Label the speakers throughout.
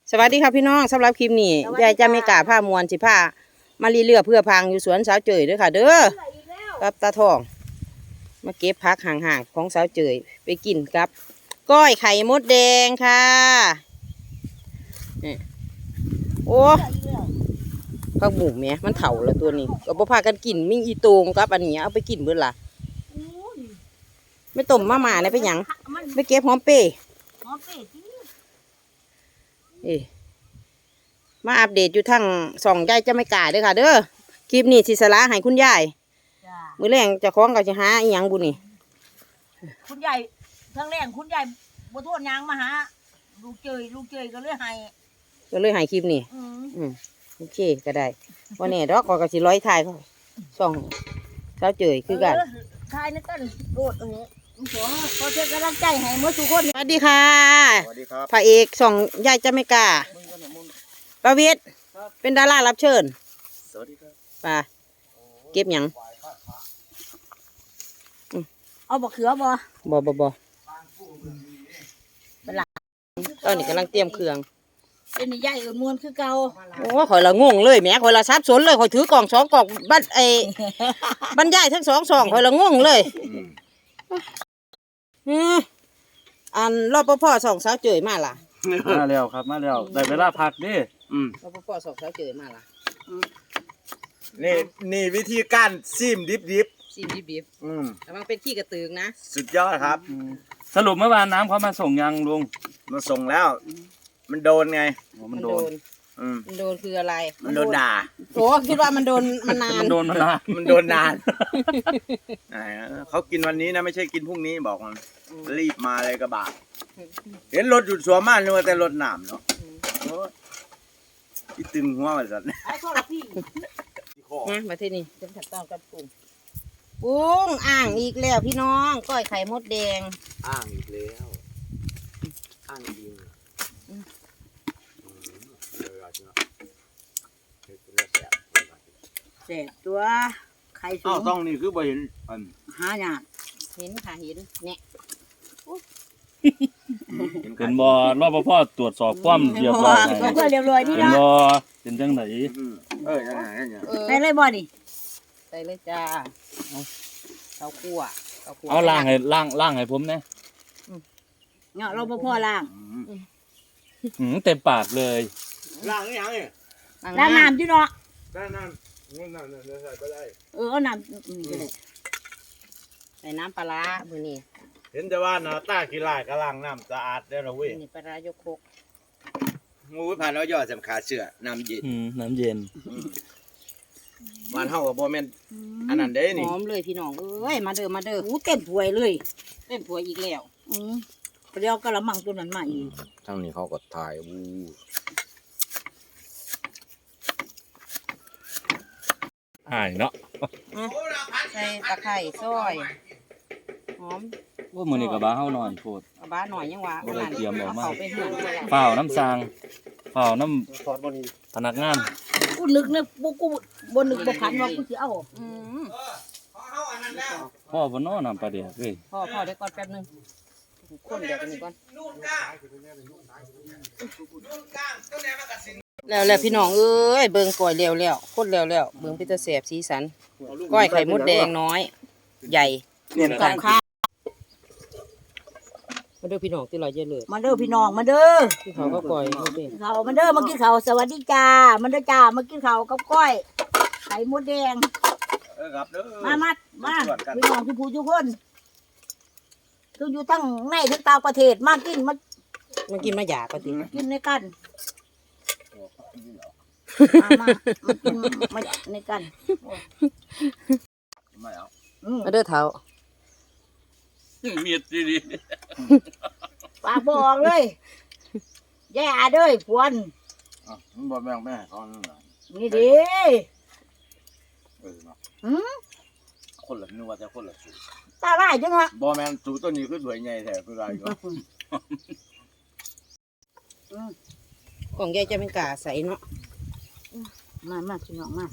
Speaker 1: สวัสดีครับพี่น้องสำหรับคลิปนี้ยายจะไม่กล้าผ้ามวนสิผ้ามาลีเลือเพื่อพังอยู่สวนสาวเจยด้วยค่ะเด้อกับตาทองมาเก็บพักห่างๆของสาวเจยไปกินกับก้อยไข่มดแดงค่ะนี่โอ้ผักบุ๋มเนี่ยมันเถาแล้วตัวนี้ก็บ่พากันกินมิ่งอีโตงกับอันนี้เอาไปกินเบิดล่ะไม่ต้มมาม่าเนี่ยไปหยังไม่เก็บหอมเป้มาอัปเดตอยู่ทั้ง2ยายจะไม่กล้าเด้อค่ะเด้อคลิปนี้สิสละให้คุณยายมื้อแรงจะคล้องกับจะหาอีหยังบุนี่
Speaker 2: คุณยายทั้งแรงคุณยายบ่โทษยางมาหาลูกเจยก็เลยให้
Speaker 1: คลิปนี้โอเคก็ได้วันนี้ดอกก็สิร้อยถ่ายเขาส่องสาวเจยคือกัน
Speaker 2: ถ่ายนั่นกันโดดขอเชิญกำลังใจให้หมดทุกคน
Speaker 1: สวัสดีค่ะ
Speaker 3: สวัสดีครับ
Speaker 1: พระเอก2ยายจะไม่กล้าประวิตรเป็นดารารับเชิญ
Speaker 3: สวัสดีครับ
Speaker 1: ป่าเก็บหยัง
Speaker 2: เอาบ่เขือบ่
Speaker 1: เป็นหลักตอนนี้กำลังเตรียมเครื่อง
Speaker 2: เป็นใหญ่มวนคือเก่า
Speaker 1: โอ้ข่อยละงงเลยแหมข่อยละซับสนเลยข่อยถือกล่อง2กล่องบัดบรรยายทั้ง2 ซองข่อยละงงเลยอันรปภส่องสาวเจยมาล่ะ
Speaker 3: มาแล้วครับมาแล้วได้เวลาพักดิ
Speaker 1: รปภส่องสาวเจยมาล่ะ
Speaker 3: นี่วิธีการซิมดิบ
Speaker 1: แต่มันเป็นขี้กระตือนะ
Speaker 3: สุดยอดครับ
Speaker 4: สรุปเมื่อวานน้ำเขามาส่งยังลุง
Speaker 3: มาส่งแล้วมันโดนไง
Speaker 1: มันโดนคืออะไร
Speaker 3: มันโดนด่า
Speaker 1: โอ้คิดว่ามันโดนมันนาน
Speaker 3: มันโดนนานเขากินวันนี้นะไม่ใช่กินพรุ่งนี้บอกมันรีบมาเลยกระบะเห็นรถหยุดสวมมากนึกว่าแต่รถหนามเนาะที่ตึงหัวมันสัตว์
Speaker 1: มาที่นี่เป็นขั้นตอนการปรุงอ่างอีกแล้วพี่น้องก้อยไข่มดแดง
Speaker 3: อ่างอีกแล้วอ่างดิน
Speaker 2: แซ่บตัวไข่สูง
Speaker 3: ต้องนี่คือบ่เห็น
Speaker 2: หาหยา
Speaker 1: เห็นค่ะเห็นเนี่ย
Speaker 4: เป็นบ่รปภตรวจสอบความเรียบร้อย
Speaker 2: เรียบร้อยนี่
Speaker 4: นะเป็นบ่เป็นจังไหน
Speaker 2: ใส่เลยบ่ดิ
Speaker 1: ใส่เลยจ้าข้าวคั่ว
Speaker 4: เอาล่างให้ผมนะ
Speaker 2: เนาะรปภล่าง
Speaker 4: เต็มปากเลย
Speaker 3: ล่างยังเนี่ย
Speaker 2: ล้างน้ำอยู่เนาะ
Speaker 3: ล้างน้ำใส่ไปได้
Speaker 2: เอาน้ำ
Speaker 1: ใส่น้ำปลามือนี่
Speaker 3: เห็นแต่ว่าหน้าตาขี้ลายกระล่างน้ำสะอาดได้แล้วเว้ย
Speaker 1: นี่ปลายกคก
Speaker 3: งูผ่านแล้วยอดสำคัญเสือน้ำเ
Speaker 4: ย็น
Speaker 3: มันเท่ากับบ่แม่นอันนั้นเด้นี่
Speaker 1: หอมเลยพี่น้องเอ้ยมาเด้อ
Speaker 2: เต็มถ้วยเลย
Speaker 1: เต็มถ้วยอีกแล้ว
Speaker 2: เดี๋ยวกระมังตัวนั้นมาอีก
Speaker 3: ทั้งนี้เขาก็ถ่าย
Speaker 4: เนาะ
Speaker 1: ใส่ตะไคร้ซอยหอม
Speaker 4: ว่ามื้อนี้ก็บ้าเฮานอนโพด
Speaker 1: บ้าหน่อยยังว่า
Speaker 4: บ่ได้เตรียมออกมา
Speaker 1: ไปเหือน
Speaker 4: เปล่าน้ำซางเปล่าน้ำพนักงาน
Speaker 2: กูนึกเนี่ยกูบ่นึกบ่ขันว่ากูสิเอา
Speaker 4: พ่อบ่นอนน้ำปลาเดียกเว้ย
Speaker 1: พ่อเดี๋ยวก่อนแป๊บนึงคนเดี๋ยวกันนี่ก่อนแล้วพี่น้องเอ้ยเบิ่งก้อยแล้วคนแล้วเบิ่งพิตาแสบสีสันก้อยไข่มดแดงน้อยใหญ่กับข้าวมาเด้อพี่น้องที่เราเยอะเลย
Speaker 2: มาเด้อพี่น้องมาเด้อ
Speaker 1: ที่เขาก็ก้อย
Speaker 2: เขามาเด้อมากินข้าวสวัสดีจ้ามาเด้อจ้ามากินข้าวกับก้อยไข่มดแดงมาพี่น้องทุกผู้ทุกคนคืออยู่ทั้งในทั้งต่างประเทศมากิน
Speaker 1: มาหยาปฏิ
Speaker 2: กินในกันมากินมาในกัน
Speaker 1: มาเด้อเท้า
Speaker 4: เมียดดี
Speaker 2: ปากบอกเลยแย่เด้อพวน
Speaker 3: มันบ่แม่งแม่เขา
Speaker 2: นี่ดิ
Speaker 3: คนละนึกว่าจะคนละสูตร
Speaker 2: ตาไล่จังวะ
Speaker 3: บ่แม่นสูตรตัวนี้คือสวยใหญ่แท้คือไรก็
Speaker 1: ของยายจะเป็นกาใสเนาะ
Speaker 2: มาพี่น้องมา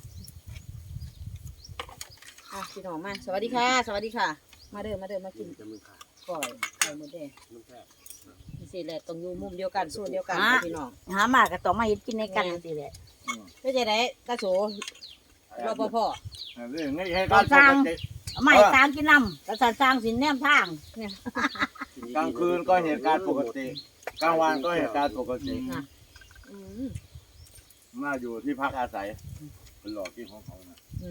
Speaker 1: พี่น้องมาสวัสดีค่ะมาเด้อมากินก่อยไข่มดแดงสิแหละต้องอยู่มุมเดียวกันส่วนเดียวกันพี่น้อง
Speaker 2: หามาก็ต้องมาเฮ็ดกินในกันจังซี่แหละ
Speaker 1: เพื่อจะได้ตาโสรปภ
Speaker 3: เรื่องนี้ให้การปกติ
Speaker 2: เอามาให้ตามกินนำกษัตริย์สร้างสินแนมทาง
Speaker 3: กลางคืนก็เหตุการณ์ปกติกลางวันก็เหตุการณ์ปกติน่าอยู่ที่พักอาศัยเป็นหลอกที่ของเขานะ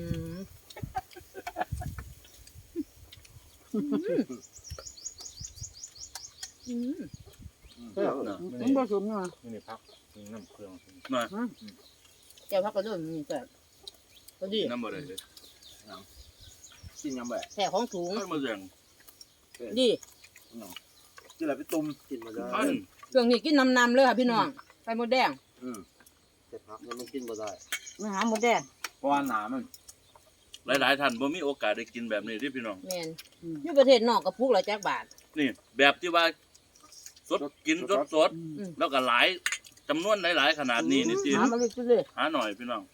Speaker 2: มันบ่สมเนาะ
Speaker 4: นี่พักน้ำเครื่อง
Speaker 5: มา
Speaker 1: เจ้าพักกระโดดมีแต่พอดี
Speaker 5: น้ำบ่ได้เลย
Speaker 3: กินยังแบบ
Speaker 1: แผ่ของสูง
Speaker 5: ไม่มาแรง
Speaker 1: ดี
Speaker 3: กินอะไรไปตุ่มกินมาได้
Speaker 5: ท่าน
Speaker 1: เครื่องนี้กินน้ำเลยค่ะพี่น้องไข่มดแดง
Speaker 3: แต่พักมันกินมาได้
Speaker 2: มาหาหมดแดง
Speaker 3: เพราะว่าหนามัน
Speaker 5: หลายๆท่านบ่มีโอกาสได้กินแบบนี้ที่พี่น้อง
Speaker 1: แมนอยู่ประเทศนอกกระปุกละจักบาท
Speaker 5: นี่แบบที่ว่าสดกินสดๆแล้วก็หลายจำนวนหลายๆขนาดนี้นี่สิ
Speaker 2: หามาเลยเลย
Speaker 5: หาหน่อยพี่น้อง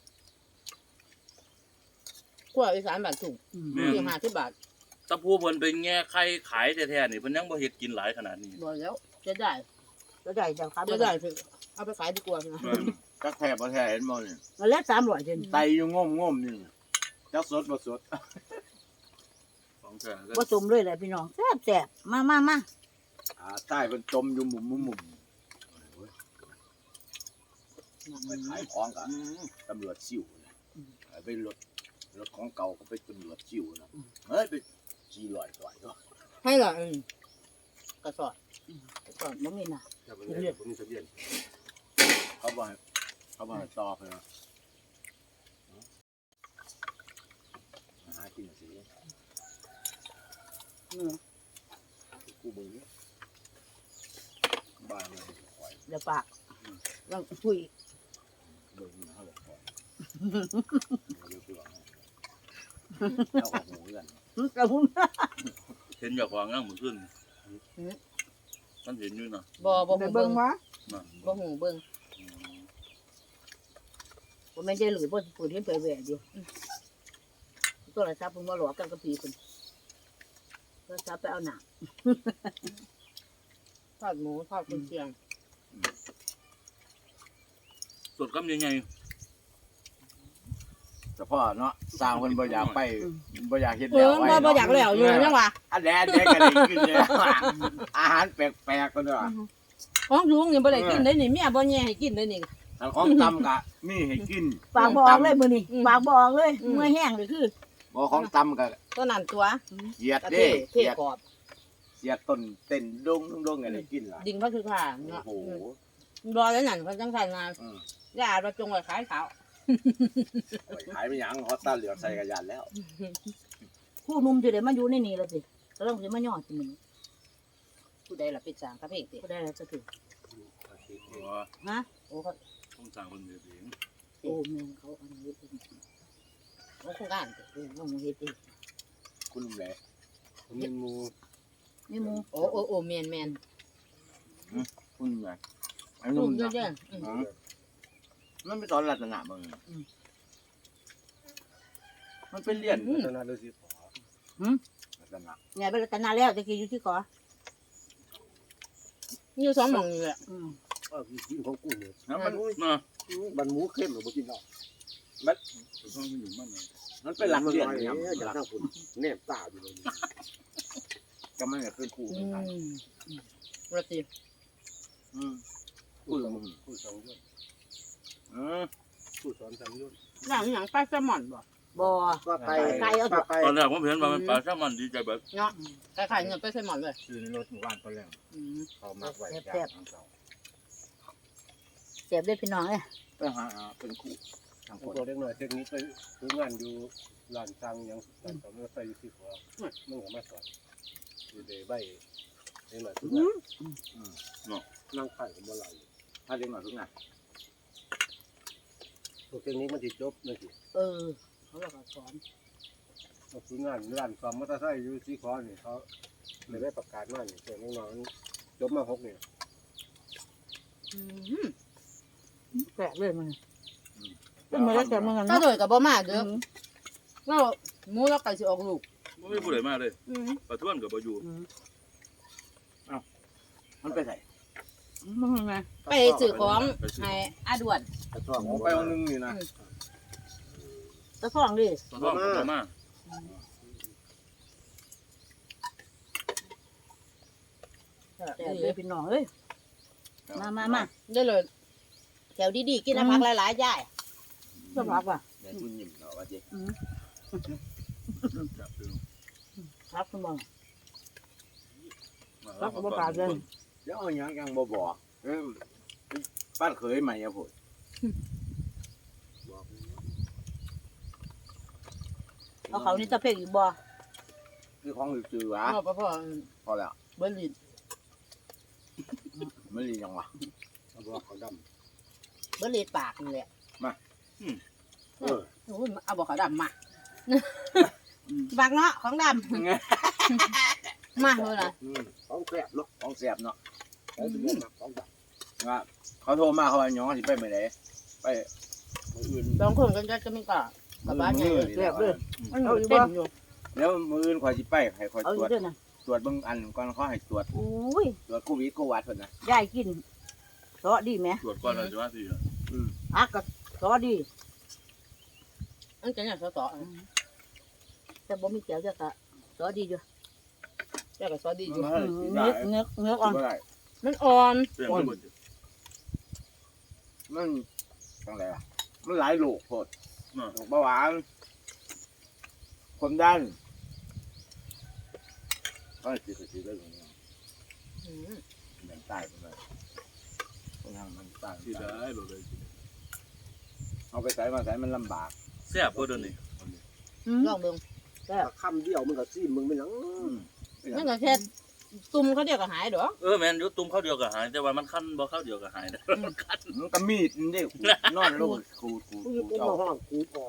Speaker 1: ขั้วอีสานบาทถูก
Speaker 5: แม่
Speaker 1: อยู่
Speaker 5: น
Speaker 1: 50 บาท
Speaker 5: ตะพูเพิ่นไปแง่ไข่ขายแท้ๆนี่เพิ่นยังบ่เฮ็ดกินหลายขนาดนี้
Speaker 1: บอกแล้วจะได้
Speaker 2: จะได้จังครับ
Speaker 1: จะได้คือเอาไปขายดีกว่านะ
Speaker 5: แม่น
Speaker 3: จักแทบบ่แทบเห็นบ่เนี่ย
Speaker 2: มาแล้ว300เดือน
Speaker 3: ไตอยู่ง่มๆนี่จักสดบ่สด
Speaker 5: ของแท้ก็
Speaker 2: บ่สมเลยแหละพี่น้องแซ่บๆมา
Speaker 3: ใต้เป็นจมอยู่มุมไปขายของกันตำรวจซิ่วไปรถของเก่าก็ไปตำรวจซิ่วนะเฮ้ยไปขี่ลอยต่อยก็
Speaker 1: ให้เหรอกระสอบ
Speaker 2: บ่มีน่ะ
Speaker 3: เขาบอกให้ต่อไปนะหากินสิกูมึงบ้านมันคอย
Speaker 2: เดี๋ยวปากยังคุย
Speaker 3: เบิ่งนะเขาบอกคอยเดี๋ยวไปว่าเอาออกหูกัน
Speaker 2: กระหุ่น
Speaker 5: เห็นอยากวางย่างมื้อคืนมันเห็นอยู่นะ
Speaker 1: บ่หู
Speaker 2: เบิ่
Speaker 1: เบิ่
Speaker 2: ง
Speaker 1: ง
Speaker 2: ว่า
Speaker 1: บ่หูเบิ่ง
Speaker 2: บ่แม่นใจหรือบ่พูดเห็นไปแหวะอยู่โทรศัพท์เพิ่นบ่หลอกกันกับพี่เพิ่นโทรศัพท์ไปเอาหนัง
Speaker 1: ทอดหมูทอดกุนเชียง
Speaker 5: สดกับใหญ่
Speaker 3: แต่พ่อเนาะสร้างคนบ่อยากไปบ่อยากเฮ็ด
Speaker 1: เอ
Speaker 3: แล้ว
Speaker 1: อ
Speaker 3: ไว้
Speaker 1: บ่อยากแล้วอยู่จังหวะ
Speaker 3: อันแดนก็ได้กินเลยอาหารแปลกๆกันด้วย
Speaker 1: ของสูงนี่บ่ได้กินได้นี่เมียบ่แย่ให้กินได้นี่
Speaker 3: แต่ของตำกะมีให้กิน
Speaker 2: ปากบ่ออกเลยมื้อนี้
Speaker 1: อืม
Speaker 2: ปากบ่ออกเลย
Speaker 1: อืม
Speaker 2: เมื่อยแห้งเลยคือ
Speaker 3: บ่ของตำกะ
Speaker 1: ตัวนั้นตัว
Speaker 3: เสียด
Speaker 1: กระ
Speaker 3: เด้
Speaker 1: เทศกรอบ
Speaker 3: เสียดต้นเต้นดงอะไรกินล่ะ
Speaker 1: ดิ่งพระคือค่ะ
Speaker 3: โอ้
Speaker 1: เนาะ
Speaker 3: โห
Speaker 1: รอแล้วนั่นเขาจังซั่นมา
Speaker 3: อืม
Speaker 1: ย่ามาจงไว้ขายขาว
Speaker 3: ขายไปหยังฮอตตาเหลืองใส่กระยานแล้ว
Speaker 2: ผู้หนุ่มสิได้มาอยู่ในนี่แล้วสิก็ต้องสิมาย่อสิมื้อนี้
Speaker 1: ผู้ใดล่ะเป็นสร้างพระเพกติ
Speaker 2: บ่ได้แล้วจะถึง
Speaker 5: ๆเพราะว่า
Speaker 2: ฮะ
Speaker 1: โอ้เขา
Speaker 5: ต้องสั่งเพิ่นเฮ็ดเอง
Speaker 2: โอ้แม่นเขาอันนี้เอง
Speaker 1: โครงการติ
Speaker 2: น้องเฮ็ดเอง
Speaker 3: คุณลุงแหละ
Speaker 2: นี่หมู
Speaker 1: โอ้แม่น
Speaker 3: คุณลุงแหละไอ้
Speaker 1: ๆ
Speaker 3: นุ่
Speaker 1: นุ่
Speaker 3: ม
Speaker 1: ม
Speaker 3: นะ
Speaker 1: เยอะ
Speaker 3: มันเป็นตอนรัตนะมึงมันเป็นเลียนรัตนะดูสิรัตนะ
Speaker 2: ไงไปรัตนาแล้วตะกี้อยู่ที่ขอ
Speaker 1: ๆอยู่2หม่องนี่แหละ
Speaker 6: กินของกูเนี่ย
Speaker 3: แล้วมัน
Speaker 5: เนาะ
Speaker 6: มันหมูเข้มหรือบ่กินหรอก
Speaker 5: ต้องอยู่มันเลย
Speaker 3: มันเป็นหลักเลียน
Speaker 6: เนี่
Speaker 3: เนี่ย ย
Speaker 6: อยากนั่งคุณแนบตาอยู่เลย
Speaker 3: ก็ไม่เป็นคู่กัน
Speaker 1: ว่าติ
Speaker 3: คู่มึง
Speaker 6: กูสองยอด
Speaker 3: Ừ.
Speaker 6: กูสอนสามยอด
Speaker 1: ย่างหยังปลาแซลมอนบ่
Speaker 2: บ่
Speaker 6: ป้าไก่
Speaker 2: ไก่เอาเถอะ
Speaker 6: ป้าไก่
Speaker 5: ตอนแรกผมเห็นว่ามันปลาแซลมอนดีใจแบบ
Speaker 1: เนาะคล้ายๆเงินปลาแซลมอนเลย
Speaker 4: คือในรถหมู่บ้านตอนแรก
Speaker 1: อืม
Speaker 4: เขามักไว้ย่างของเขา
Speaker 2: เจ็บได้พี่น้องเอ้ย
Speaker 3: ไปหาเป็นคู่ทางค
Speaker 6: กู
Speaker 3: น
Speaker 6: ตัวเล็กน้อยเทคนิคไปซื้องานอยู่ร้านซังยังร้านต่อเมื่อไปอยู่ที่หัวมึงก็มาสอนอยู่ในใบเล็กน้อยทุกงานนั่งไข่กับบ่ไหล
Speaker 3: ถ้าเรียนหน่อยทุกงาน
Speaker 6: ตัวเทคนิคมันสิจบนั่นสิ
Speaker 2: เขาเราก็สอน
Speaker 6: ซื้องานร้านซ่อมมอเตอร์ไซค์อยู่ที่ขอนี่เขาเลยได้ประกาศมานี่แต่น้องๆจบมา6นี่
Speaker 2: แปลกเลยมันเป็นมาแล้วแต่มันกัน
Speaker 1: ถ้า
Speaker 2: เนาะ
Speaker 1: โดยกับบ่มาเด้อเราหมูเราไก่สิออกลูก
Speaker 5: บ่มีผู้ใดมาเลย
Speaker 1: อืม
Speaker 5: ปลาท้วนก็บ่อยู่
Speaker 3: มันไปไหน
Speaker 1: ไปซื้อของให้อาด่วน
Speaker 3: ผมไปวันนึงนี่นะ
Speaker 2: ตะท้องดิ
Speaker 5: ตัวท้องตัวมา
Speaker 2: แต่เลยพี่น้องเอ้ยมา
Speaker 1: ได้เลยแถวดีๆกินน้ำผักหลายๆย่าย
Speaker 2: สำหรับว่ะ
Speaker 3: เดี๋ยวคุณยิ้มเนาะว่าเจ๊
Speaker 2: ครับคุณมอง
Speaker 5: แล้วก็บ่ปากเลย
Speaker 3: เดี๋ยวเอาหยังยังบ่บอกบ้านเคยใหม่อะพุ่น
Speaker 2: เอาเขานี่ตะเพ่งอีกบ่
Speaker 3: คือของจืดๆวะ
Speaker 1: พ่อ
Speaker 3: พอแล้ว
Speaker 1: เบิ้ลลิน
Speaker 3: ไม่รียังวะ
Speaker 6: เอาบอกเขาด
Speaker 1: เบิ้ลลินปากนี่แหละ
Speaker 6: ำเออ
Speaker 1: โอ้ยเอาบอกเขาดำมาปากเนาะของดำมาเลยนะ
Speaker 6: ของแกลบเนาะ
Speaker 3: ของเสียบเนาะ
Speaker 6: ของสิบเอ็ดของดำ
Speaker 3: ว่าเขาโทรมาเขาว่าหยองสิไปไม่ได้ไปมืออื่น
Speaker 1: สองคนกันจะไม่กล้ากับบ้านเนี่ย
Speaker 3: เรียบเลย
Speaker 1: มันเต้นอยู่
Speaker 3: แล้วมืออื่นคอยสิไปให้คอย
Speaker 2: เอา
Speaker 3: ต
Speaker 2: อ
Speaker 3: รว
Speaker 2: ยู่
Speaker 3: จ
Speaker 2: ด้วยนะ
Speaker 3: ตรวจเบิ่งอันก่อนเขาให้ตรวจ
Speaker 2: อุ้ย
Speaker 3: ตรวจโควิดโควัดเพิ่นนะ
Speaker 2: ยายกินซอดีไหม
Speaker 5: ตรวจก่อนเลยจะว่าสิ
Speaker 2: อักก็ซอดี
Speaker 1: อันจะเนี่ยต่อ
Speaker 2: แต่บ่มีแก้วจะกะซอดีอยู่
Speaker 1: แค่กับซอดีอยู่
Speaker 2: เนื้ออ่อน
Speaker 3: บ่ได้
Speaker 1: มันอ่อน
Speaker 5: เปลี่ยนไปหมด
Speaker 3: มันจังไดล่ะมันหลายโรคโพดโรคเบาหวานความดันก็สิได้อย่างนี้มันตายไปเลยต้องทำมันตาย
Speaker 5: ที่ได้หมดเลย
Speaker 3: เอาไปใส่มาใส่มันลำบาก
Speaker 5: แซ่บบ่เดี๋ยวนี้
Speaker 1: ลองเบิ่ง
Speaker 6: คำเดียวมันก็ซีมึงไม่หนัง
Speaker 1: นั่นก็แค่ตุ่มเขาเดียวก็หายดอก
Speaker 5: แม่นอยู่ตุ้มข้าวเดียวก็หายแต่ว่ามันคันบ่ข้าวเดียวก็หายนะมันคัน
Speaker 3: มันก็มีดนี่เด้นอนลงขูด
Speaker 6: กูอยู่กูมาห้องกูออก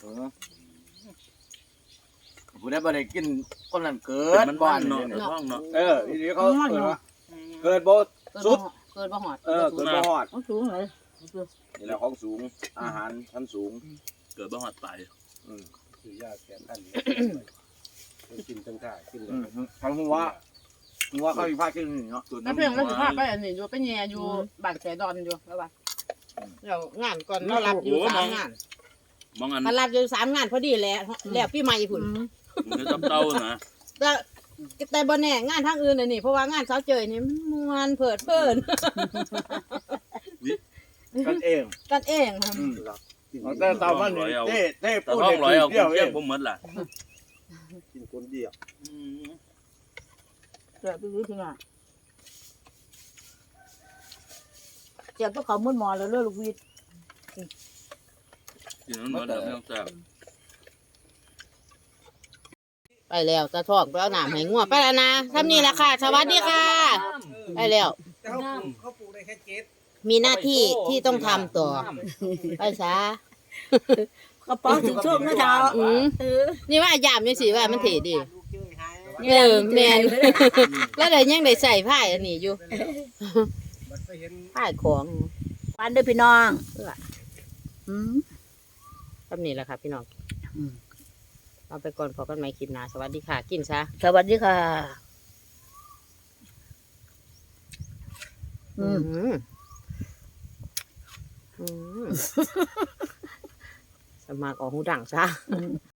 Speaker 3: ผู้ได้บ่ได้กินคนนั้นเกิ
Speaker 5: เกิ
Speaker 3: ด
Speaker 5: มัน
Speaker 3: บ้
Speaker 5: บ้า
Speaker 3: าน น
Speaker 5: เนาะ
Speaker 3: นี่
Speaker 5: เดี๋ยวท้องเนาะ
Speaker 3: ทีนี้เขาเกิดว่าเกิดบ่ สุด
Speaker 1: เกินบ่หอด
Speaker 3: เกิดบ่ฮอด
Speaker 2: มันสูงเลย
Speaker 3: นี่แหละของสูงอาหารชั้นสูง
Speaker 5: เกิดบ่ฮอดตาย
Speaker 6: คือยาแก้อันกินตั้งท่ากินเลย
Speaker 3: ทั้งหัวเขาอีกภาคกินนี่เนาะ
Speaker 1: แล้วเพียงมันสิพาไปอันนี้อยู่ไปแย่อยู่บ้านแสดอนอยู่แล้วว่าเดี๋ยวงานก่อนเรารับอยู่3งาน
Speaker 5: มองอัน
Speaker 1: มารับอยู่3งานพอดีแหละแล้วปีใหม่พุ่น
Speaker 5: มันจะจับเต้านะ
Speaker 1: แต่บ่แน่งานทางอื่นน่ะนี่เพราะว่างานเช้าเจยนี่มันม่วนเพิดเพลิน
Speaker 3: กันเอง
Speaker 1: กันเองค่ะ
Speaker 3: แต่ตามันนี่เต้
Speaker 5: แต่
Speaker 3: พูด
Speaker 5: ท้องร้อยเอา
Speaker 3: เดียว
Speaker 5: เที่
Speaker 3: เอย
Speaker 5: ง
Speaker 3: ง
Speaker 5: บ่หมดล่ะ
Speaker 6: กินคนเดียว
Speaker 2: เจ็บไปรู้ที่ไหนเจ็บก็เขามุดหมอแล้วเลือดลูกวิด
Speaker 5: กินมันหมดแล้วไม่ต้องแซ่บ
Speaker 1: ไปแล้วตาทองไปเอาน้ำให้งัวไปแล้วนะทำนี่แหละค่ะ สวัสดีค่ะ ไปแล้ว
Speaker 6: เขาปลูกได้แค่เจ็ด
Speaker 1: มีหน้าที่ที่ต้องทำต่อ ไปซะ
Speaker 2: กระป๋องถึงช่วงเมื่อเช้า
Speaker 1: นี่ว่าอยามนี่สิว่ามันเถดีแมน แล้วเดี๋ยวยังได้ใส่ผ้าอันนี้อยู่
Speaker 6: มันไปเห็น
Speaker 1: ผ้าของ
Speaker 2: ปันด้วยพี่น้อง
Speaker 1: ทำนี่แหละค่ะพี่น้องเอาไปก่อนพอกันใหม่คลิปหน้าสวัสดีค่ะ กินซะ
Speaker 2: สวัสดีค่ะ
Speaker 1: สมัครออกหูดังซะ